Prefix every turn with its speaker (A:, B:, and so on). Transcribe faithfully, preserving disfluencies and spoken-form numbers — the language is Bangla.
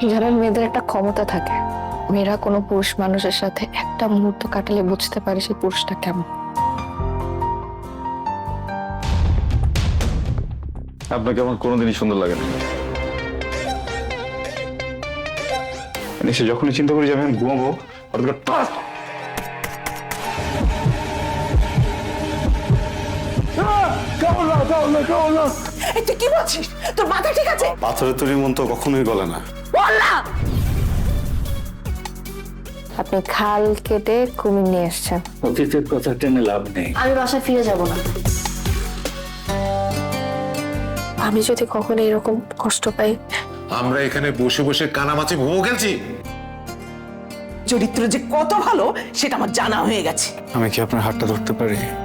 A: জানেন, মেয়েদের একটা ক্ষমতা থাকে, মেয়েরা কোনো পুরুষ মানুষের সাথে একটা মুহূর্ত কাটালে বুঝতে পারে সেই পুরুষটা কেমন।
B: আপনাকে আমার কোনোদিনই সুন্দর লাগে না। সে যখনই চিন্তা করি যে আমি এখন ঘুমাবো, হঠাৎ করে টাস!
C: তুই কি বলছিস? তোর মাথা ঠিক আছে?
D: পাথরের তৈরি মন তো কখনোই গলে না।
C: বল না।
A: আপনি খাল কেটে কুমির নিয়ে এসছেন।
E: অতীতের কথা টেনে লাভ নেই।
A: আমি বাসায় ফিরে যাব না। আমি যদি কখনো এরকম কষ্ট পাই।
F: আমরা এখানে বসে বসে কানামাছি ভোগ খেলছি।
C: চরিত্র যে কত ভালো সেটা আমার জানা হয়ে গেছে।
D: আমি কি আপনার হাতটা ধরতে পারি?